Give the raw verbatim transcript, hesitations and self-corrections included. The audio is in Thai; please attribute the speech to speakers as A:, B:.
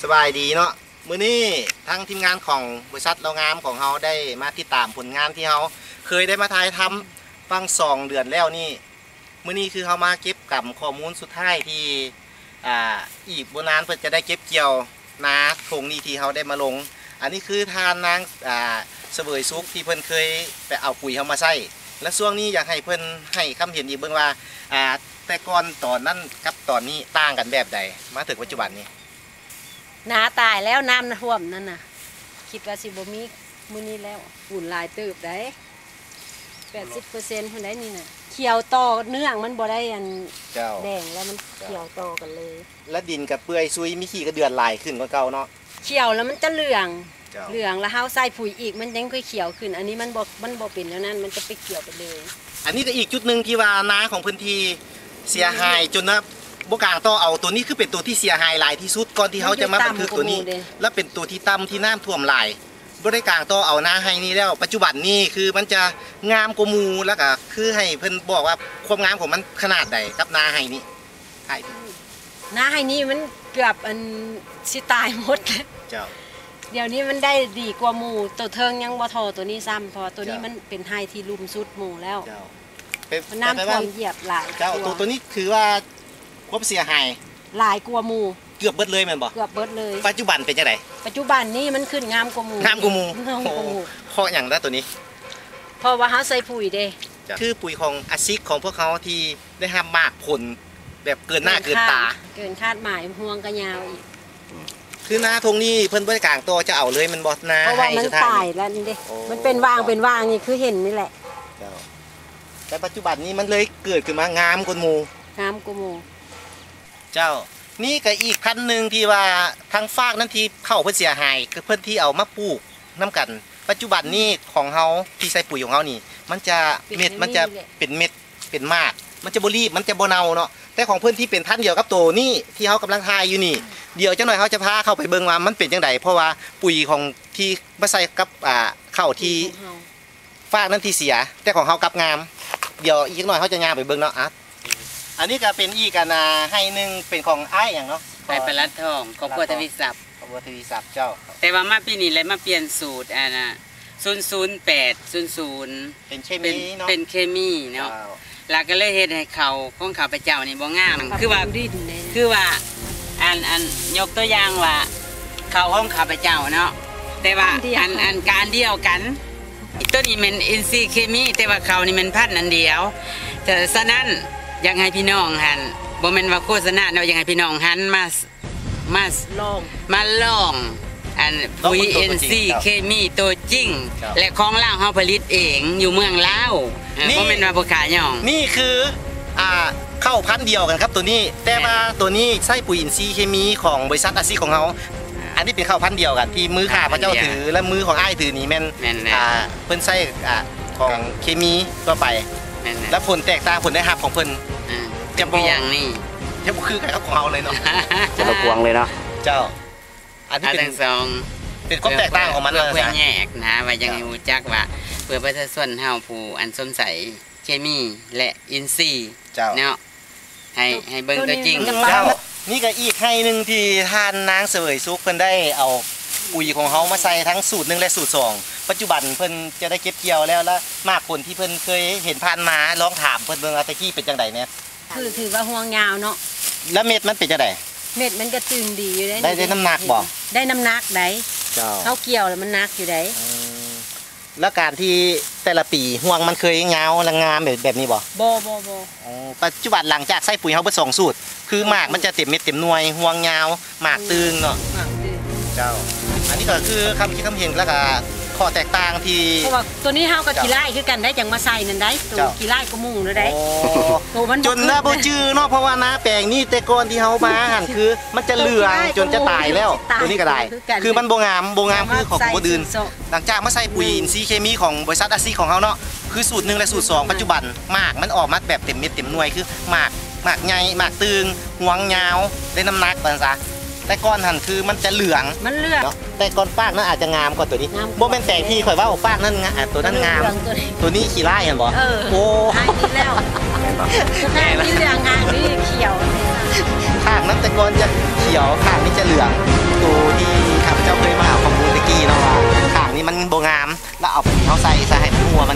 A: บายดีเนาะมื้อนี้ทั้งทีมงานของบริษัทเรางามของเราได้มาติดตามผลงานที่เราเคยได้มาถ่ายทำฟังสองเดือนแล้วนี่มื้อนี้คือเรามาเก็บกับข้อมูลสุดท้ายที่อ่าอีกบนานเพื่อจะได้เก็บเกี่ยวนาทงนี้ที่เราได้มาลงอันนี้คือทานนางอ่าเสวยซุกที่เพิ่นเคยไปเอาปุ๋ยเขามาใส่และช่วงนี้อยากให้เพิ่นให้คำเห็นอีกเบิ่งว่าอ่าแต่ก่อนตอนนั้นกับตอนนี้ต่างกันแบบใดมาถึงปัจจุบันนี้
B: นาตายแล้วน้ำท่วมนั่นน่ะคิดว่าสิบ่มีมื้อนี้แล้วฝุ่นลายตืบได้แปดสิบเปอร์เซ็นต์คนได้นี่น่ะเขียวต่อเนื่องมันบ่ได้อันแดงแล้วมันเขียวต่อกันเลย
A: แล้วดินกับเปื่อยซุยมีขี้กระเดือนลายขึ้นกว่าเก่าเนาะ
B: เขียวแล้วมันจะเหลืองเหลืองแล้วเฮาใส่ปุ๋ยอีกมันยังค่อยเขียวขึ้นอันนี้มันบ่มันบ่เป็นแล้วนั่นมันจะไปเขียวไปเลย
A: อันนี้ก็อีกจุดหนึ่งที่ว่านาของพื้นที่เสียหายจนนะบกางต่อเอาตัวนี้คือเป็นตัวที่เสียหายหลายที่สุดก่อนที่เขาจะมาบันทึกตัวนี้และเป็นตัวที่ต่ำที่น้ำท่วมหลายบริการต่อเอานาให้นี่แล้วปัจจุบันนี้คือมันจะงามกว่ามูแล้วก็คือให้เพิ่นบอกว่าความงามของมันขนาดใดกับนาให้นี่ใช่
B: นาให้นี่มันเกือบอันสิตายหมด
A: เจ้า
B: เดี๋ยวนี้มันได้ดีกว่าหมูตัวเทิงยังบ่ทอตัวนี้ซ้ำพอตัวนี้มันเป็นไฮที่ลุ่มสุดหมูแล้วน้ำท่วมเหยียบหลาย
A: เจ้าตัวตัวนี้คือว่าความเสียหาย
B: หลายกว่าหมู
A: เกือบเบิดเลยแม่นบ่
B: เกือบเบิดเลย
A: ปัจจุบันเป็นจังได
B: ปัจจุบันนี้มันขึ้นงามกว่าหมู
A: งามกว่าหมูเพราะอย่างนั้นตัวนี้
B: เพราะว่าเขาใส่ปุ๋ยเด้
A: คือปุ๋ยของอาซิกของพวกเขาที่ได้ทำมากผลแบบเกินหน้าเกินตา
B: เกินคาดหมายห่วงกระยาวอีก
A: คือนาทงนี้เพิ่นบริการตัวจะเอาเลยมันบอสนา
B: เพราะว่ามันตายแล้วนี่เด้มันเป็นวางเป็นวางนี่คือเห็นนี่แหละ
A: แต่ปัจจุบันนี้มันเลยเกิดขึ้นมางามกว่าหมู
B: งามกว่าหมู
A: เจ้านี่ก็อีกพันหนึ่งที่ว่าทางฟากนั้นที่เข้าเพื่อเสียหายคือเพื่อนที่เอามาปลูกน้ำกันปัจจุบันนี้ของเขาที่ใส่ปุ๋ยของเขานี่มันจะเม็ดมันจะเป็นเม็ดเป็นมากมันจะบรีบมันจะโบเนาเนาะแต่ของเพื่อนที่เป็นพันเดียวกับตัวนี่ที่เขากำลังทายอยู่นี่เดี๋ยวเจ้าหน่อยเขาจะพาเข้าไปเบิ่งว่ามันเป็นยังไงเพราะว่าปุ๋ยของที่มาใส่กับอ่าเข้าที่ฟากนั้นที่เสียแต่ของเขากับงามเดี๋ยวอีกหน่อยเขาจะงามไปเบิ่งเนาะอ่ะอันนี้ก็เป็นอีกกันนะให้หนึ่งเป็นของไอ้อย่างเนาะ
C: ไอ้ปลาทองของบัวทวีศัพท์
A: ของบัวทวีศัพท์เจ้า
C: แต่ว่ามาปีนี้เลยมาเปลี่ยนสูตรอ่ะนะศูนย์ศูนย์แปดศูนย์ศูนย์
A: เป็นเคมีเนาะ
C: เป็นเคมีเนาะแล้วก็เลยเฮ็ดให้เขาของข้าพเจ้านี่บ่งามคือว่าคือว่าอันอันยกตัวอย่างว่าเขาของข้าพเจ้าเนาะแต่ว่าอันอันการเดียวกันตัวนี้มันอินทรีย์เคมีแต่ว่าเขานี่มันพันธุ์อันเดียวแต่ฉะนั้นอยากให้พี่น้องหันบ่แม่นว่าโฆษณาเนาะอยากให้พี่น้องหันมามา
B: ลอง
C: มาลองอันปุ๋ย เอ็น ซี เคมีตัวจริงและของลาวเฮาผลิตเองอยู่เมืองลาวบ่แม่นว่าบ่ขายย่อง
A: นี่คืออ่าเข้าพันธุ์เดียวกันครับตัวนี้แต่ว่าตัวนี้ใช้ปุ๋ยอินทรีย์เคมีของบริษัทอาซีของเขาอันนี้เป็นเข้าพันธุ์เดียวกันที่มือข้าพระเจ้าถือและมือของอ้ายถือนี่แม่นอ่าเพิ่นใช้อ่าของเคมีทั่วไปและผลแตกต่างผลได้รับของเพิ่น
C: จะบ่อย่างนี้
A: จะบ่คือกับของเราเลยเนาะ
D: จะระกวงเลยเนาะ
A: เจ้าอันนี้เป็น
C: สอง
A: เป็นความแตกต่างของมันเลย
C: เพื่อแยกนะว่ายังให้รู้จักว่าเพื่อประชาชนเฮาผู้อันสมใสเคมีและอินทรีย์เนาะให้ให้เบิ่งตัวจริง
A: เจ้านี่ก็อีกให้หนึ่งที่ทานนางเสวยซุกเพิ่นได้เอาปุ๋ยของเขามาใส่ทั้งสูตรหนึ่งและสูตรสองปัจจุบันเพิ่นจะได้เก็บเกี่ยวแล้วและมากผลที่เพิ่นเคยเห็นผ่านมาลองถามเพิ่นเบิ่งว่าตะกี้เป็นจังไดเนี่ย
B: คือถือว่าห่วงยาวเนาะ
A: แล้วเม็ดมันเป็นจังได
B: เม็ดมันก็ตึงดีอยู่ได้
A: ได้ได้น้ำหนักบ่
B: ได้น้ำหนักได้เขาเกี่ยวแล้วมันหนักอยู่ได้
A: แล้วการที่แต่ละปีห่วงมันเคยเงาและงามแบบแบบนี้บ่
B: บ่บ่บ่
A: ปัจจุบันหลังจากใส่ปุ๋ยเขาเบิดสองสูตรคือหมากมันจะเต็มเม็ดเต็มหน่วยห่วงเงาหมากตึงเนาะเจ้าอันนี้ก็คือคำคิดคำเห็นแล้วก็ข้อแตกต่างที่
B: เพราะว่าตัวนี้เฮากับขี้ไล่คือกันได้จังมาใส่นั่นได้ตัวขี้ไล่ก็มุ่งเลยได้
A: จนน่าบ่จื้อเนาะเพราะว่านาแปลงนี่แต่ก่อนที่เฮามาหันคือมันจะเหลืองจนจะตายแล้วตัวนี้ก็ได้คือมันบ่งามบ่งามคือของบ่ดื่นหลังจากมาใส่ปุ๋ยอินทรีย์เคมีของบริษัทอาซีของเฮาเนาะคือสูตรหนึ่งและสูตรสองปัจจุบันหมากมันออกมาแบบเต็มเม็ดเต็มหน่วยคือหมากหมากใหญ่หมากตึงห่วงยาวได้น้ำหนักว่าซั่นซะแต่ก้อนหันคือมันจะเหลือง
B: มันเหลือง
A: แต่ก้อนฟากนั้นอาจจะงามกว่าตัวนี้โมเป็นแต่ที่ข่อยว่าฟากนั้นงามตัวนั้นงามตัวนี้ขี้ไล่เห็นบ่
B: โอ้หายนี่แล้วข้างนี้เหลืองข้างนี้เขียว
A: ข้างนั้นแต่ก้อนจะเขียวข้างนี้จะเหลืองตัวที่ข้าพเจ้าเคยมาเอาข้อมูลตะกี้เนาะว่าข้างนี้มันโบงามแล้วเอาปุ๋ยเขาใส่ใส่ให้มันหัวมัน